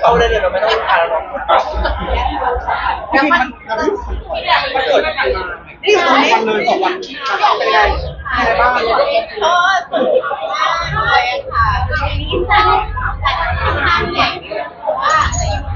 เข้าได้เลยเราไม่ต้องผ่านแล้วแล้วมันเกิดนี่ตรงนี้เลย2 วันเป็นไงอะไรบ้างก็สุดมากเลยค่ะนี่จะแต่ค่อนข้างใหญ่เพราะว่า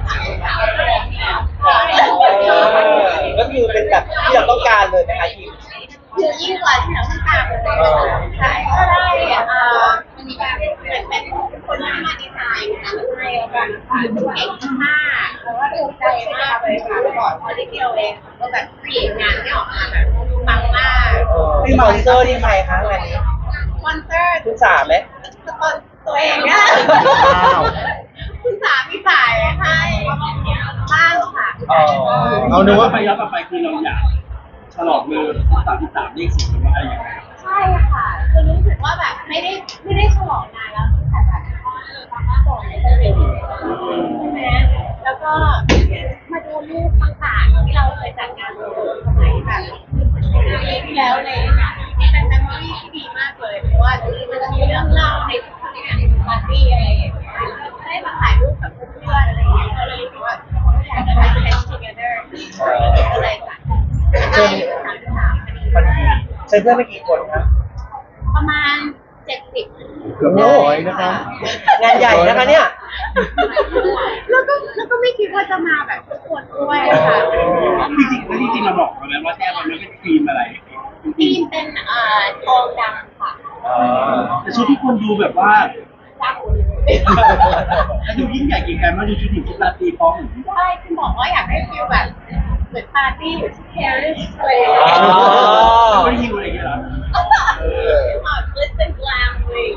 ก็คือเป็นแบบที่เราต้องการเลยนะคะทีมคือยิ่งกว่าที่เราต้องการเลยใช่ก็ได้มันมีการเหมือนเป็นคนที่มาดีไซน์งานให้แล้วกันค่ะเก่งมากเพราะว่าภูมิใจมากเลยค่ะก่อนพอได้เดียวเองก็แบบเปลี่ยนงานที่ออกมาแบบปังมากสปอนเซอร์ที่ใครคะงานนี้สปอนเซอร์คุณสาไหมสปอนตัวเองเนี่ยคุณสามีจ่ายให้บ้างค่ะเอานึกว่าไปย้อนกลับไปคือเราอยากฉลองมือ33เลข4มันอะไรยังไงใช่ค่ะคือรู้สึกว่าแบบไม่ได้ฉลองนานแล้วตั้งแต่แบบก่อนเลยใช่ไหมแล้วก็มาดูรูปต่างๆที่เราเคยจัดงานสมัยแบบปีที่แล้วเลยเป็นเมมโมรี่ที่ดีมากเลยเพราะว่ามันจะมีเรื่องเล่าในทุกงานปาร์ตี้อะไรอย่างเงี้ยได้มาถ่ายรูปกับเพื่อนอะไรอย่างเงี้ยก็เลยรู้สึกว่าอยากจะไป spend together ก็เลยจัดได้พอดีใช้เพื่อนไม่กี่คนครับประมาณ70 เกือบ100นะครับงานใหญ่นะคะเนี่ยแล้วก็ไม่คิดว่าจะมาแบบทุกคนด้วยค่ะจริงเราบอกแล้วว่าแต้มมันเป็นธีมอะไรธีมเป็นทองดำค่ะแต่ชุดที่คนดูแบบว่ารักแล้วดูยิ่งใหญ่กี่การมาดูชุดหญิงชุดราตรีพร้อมใช่คุณบอกว่าอยากให้ฟีลแบบเหมือนปาร์ตี้อยู่ที่ปารีสเลยไม่ได้ยิวอะไรอย่างเงี้ยหรอลิสต์เป็นกลางเลย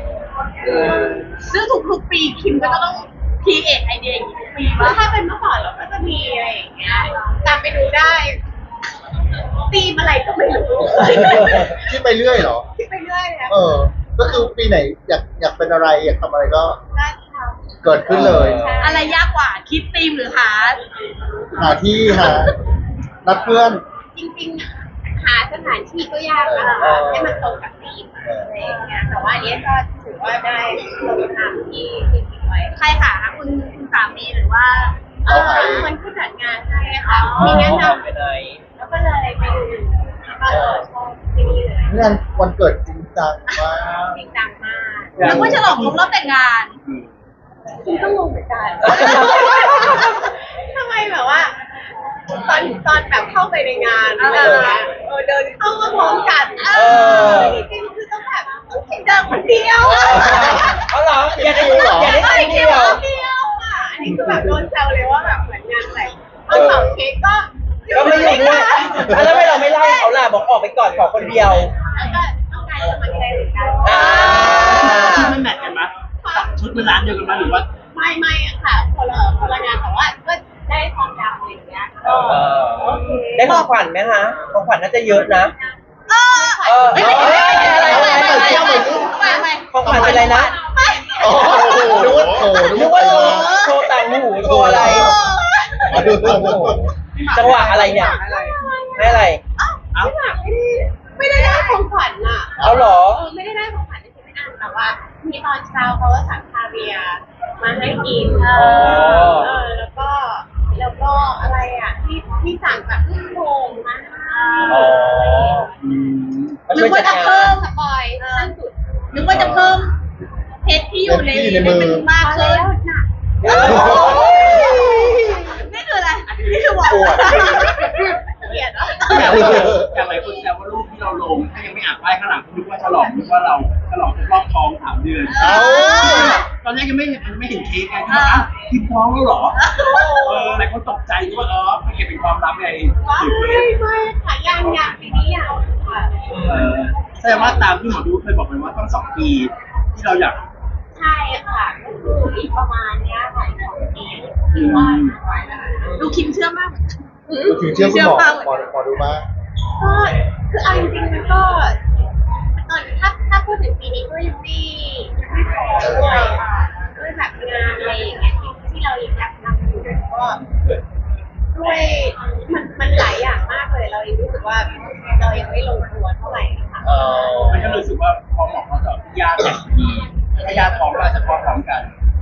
ซึ่งทุกๆปีคิมก็ต้องคีเอทไอเดียอย่างนี้ทุกปีว่าถ้าเป็นเมื่อก่อนเราก็จะมีอะไรอย่างเงี้ยตามไปดูได้ตีมอะไรก็ไม่รู้คิดไปเรื่อยเหรอคิดไปเรื่อยนะก็คือปีไหนอยากเป็นอะไรอยากทำอะไรก็ทเกิดขึ้นเลยอะไรยากกว่าคิดตีมหรือหาที่หานัดเพื่อนจริงๆหาสถานที่ก็ยากนะคะให้มันตรงกับธีมอะไรอย่างเงี้ยแต่ว่าอันนี้ก็ถือว่าได้ลงนามที่คิดไว้ใครหาคุณสามีหรือว่าคนที่จัดงานให้ค่ะมีแนะนำแล้วก็เลยไปดูแล้วก็ชอบที่นี่เลยงานวันเกิดจริงจังมากจริงจังมากแล้วก็ฉลองครบรอบแต่งงานคุณก็งงเหมือนกันทำไมแบบว่าตอนแบบเข้าไปในงานอะไรอย่างเงี้ยเดินเข้ามาพร้อมกันจริงๆคือต้องแบบเดินคนเดียวเอาเหรออย่าได้คนเดียวอ่ะอันนี้คือแบบโดนแซวเลยว่าแบบเหมือนงานแต่งตอนเป่าเค้กก็ไม่อยู่ด้วยแล้วทำไมเราไม่ไล่เขาล่ะบอกออกไปก่อนขอคนเดียวแล้วก็ต้องการสมัครใจเหมือนกันชุดมันแมทกันไหมชุดมันร้านเดียวกันไหมหรือว่าไม่ค่ะคนละงานแต่ว่าก็ได้ทองดำอะไรอย่างเงี้ยได้ของขวัญไหมคะของขวัญน่าจะเยอะนะของขวัญเป็นอะไรนะนึกว่าโชว์ต่างหูโชว์อะไรจังหวะอะไรเนี่ยให้อะไรไม่ได้ของขวัญอ่ะเอาหรอไม่ได้ของขวัญที่ไม่อ่านแต่ว่ามีตอนเช้าเขาก็สั่งคาเวียมาให้กินแล้วก็อะไรอ่ะที่สั่งแบบลูกโป่งมานึกว่าจะเพิ่มสปอยขั้นสุดนึกว่าจะเพิ่มเพชรที่อยู่ในมันมากขึ้นนี่คืออะไรนี่คือบอกเกลียดอ่ะอย่างไรคนแซวว่ารูปที่เราลงถ้ายังไม่อ่านป้ายข้างหลังนึกว่าฉลองนึกว่าเราฉลองครบรอบท้อง3 เดือนตอนแรกยังไม่เห็นเค้กไงที่บอกคิดท้องแล้วหรอหลายคนตกใจว่ามันเก็บเป็นความลับไงไม่ค่ะยังปีนี้ยังค่ะแสดงว่าตามที่หมอดูเคยบอกไปว่าต้อง2 ปีที่เราอยากใช่ค่ะก็คืออีกประมาณเนี้ยค่ะ2 ปีคือว่าดูคิมเชื่อมากถึงเชื่อคุณหมอดูมากก็คือเอาจริงๆมันก็ตอนถ้าพูดถึงปีนี้ก็ยังไม่พอด้วยแบบงานอะไรอย่างเงี้ยที่เราอยากทำอยู่ก็ด้วยมันหลายอย่างมากเลยเรายังรู้สึกว่าเรายังไม่ลงตัวเท่าไหร่ค่ะมันก็รู้สึกว่าพอหมอเขาจะญาติดีถ้าญาติพร้อมเราจะพร้อมกัน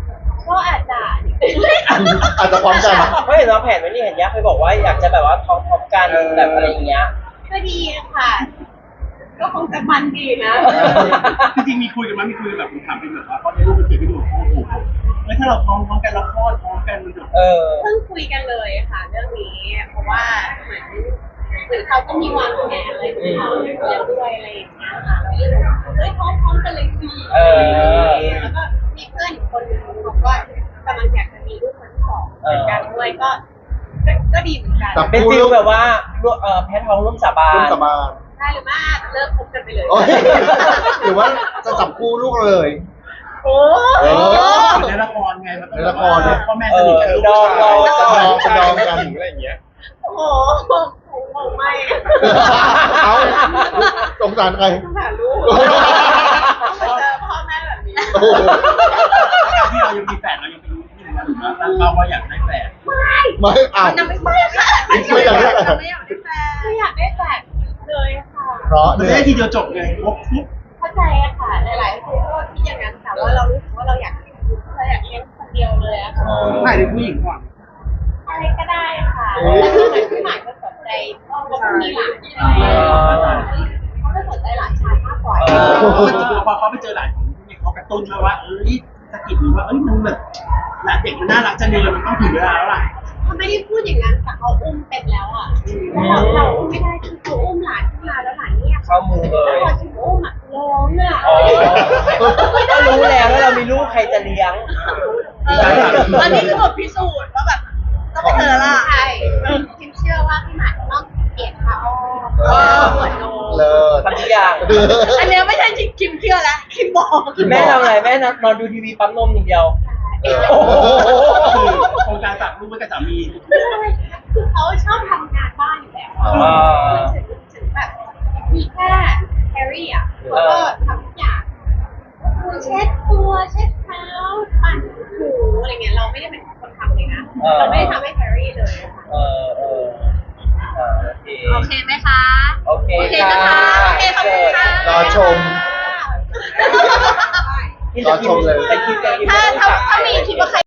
ก็อาจจะอาจจะพร้อมกันเพราะเห็นเราแผนไว้นี่เห็นยักษ์เคยบอกว่าอยากจะแบบว่าท็อปกันแบบอะไรอย่างเงี้ยก็ดีค่ะ ก็คงจะมันดีนะจริงๆมีคุยกันไหมมีคุยกันแบบถามเป็นแบบว่าเพราะในรูปมันเขียนไปดูโอ้โหแล้วถ้าเราพร้อมกันเราคลอดพร้อมกันมันจะเออเพิ่งคุยกันเลยค่ะเรื่องนี้ เพราะว่าเหมือนเขาก็มีวางแผนอะไรของเขาด้วยอะไรอย่างเงี้ยค่ะเราก็เลยบอกเฮ้ยพร้อมกันเลยสิเออแล้วก็มีเพื่อนอีกคนนึงบอกว่ากำลังอยากจะมีลูกคนที่สองเหมือนกันด้วยก็ดีเหมือนกันครับเป็นฟิลแบบว่าแพทย์ท้องร่วมสาบาร่วมนสาบานได้หรือไม่เลิกคบกันไปเลยโอ้ยหรือว่าจะจับคู่ลูกเลยโอ้เออเหมือนในละครไงมันก็ในละครเนี่ยพ่อแม่สนิทกันลูกผู้ชายดองกันอะไรอย่างเงี้ยโหคงไม่เอ้าสงสารใครสงสารลูกมาเจอพ่อแม่แบบนี้โอ้โหที่เรายังมีแฝดเรายังเป็นลูกที่หนึ่งนะหรือว่าตั้งเป้าว่าอยากได้แฝดไม่อ้าวยังไม่ใช่ค่ะไม่อยากได้แฝดไม่อยากได้แฟนไม่อยากได้แฟนเลยค่ะเพราะมันเนี่จะยได้ทีเดียวจบไงครบทุกเข้าใจอะค่ะหลายๆคนก็คิดอย่างนั้นแต่ว่าเรารู้สึกว่าเราอยากเลี้ยงคนเดียวเลยอะค่ะถ่ายเป็นผู้หญิงก่อนอะไรก็ได้ค่ะแล้วก็เหมือนพี่หมายก็สนใจเขามีหลานใช่ไหมเขาก็สนใจหลานชายมากกว่าพอเขาไปเจอหลานของผู้หญิงเขากระตุ้นมาว่าเอ้ยสะกิดหรือว่าเอ้ยมันแบบหลานเด็กมันน่ารักจังเลยมันต้องถึงเวลาแล้วล่ะเขาไม่ได้พูดอย่างนั้นแต่เขาอุ้มเป็นแล้วอะเราอุ้มไม่ได้คือเขาอุ้มหลานขึ้นมาแล้วหลานเนี่ยเข้ามือเลแล้วยพอถึงอุ้มอะร้องอะอ๋อก็รู้แล้วว่าเรามีลูกใครจะเลี้ยงอันนี้คือบทพิสูจน์ว่าแบบต้องไปเจอละใช่คิมเชื่อว่าพี่หมายต้องเปลี่ยนผ้าอ้อมเหมือนโนเลิศทำทุกอย่างอันเนี้ยไม่ใช่คิมเชื่อแล้วคิมบอกแม่ทำอะไรแม่นอนดูทีวีปั๊มนมอย่างเดียวโอ้โหคือโครงการฝากลูกไว้กับสามีคือเขาชอบทำงานบ้านอยู่แล้วอ่าถึงแบบมีแค่แฮร์รี่อ่ะเขาก็ทำทุกอย่างคือเช็ดตัวเช็ดเท้าปั่นหูอะไรเงี้ยเราไม่ได้เป็นคนทำเลยนะเราไม่ได้ทำให้แฮร์รี่เลยค่ะโอเคโอเคไหมคะโอเคโอเคนะคะโอเคขอบคุณค่ะรอชม รอชมเลยแต่คิดถ้ามีคิดว่าใคร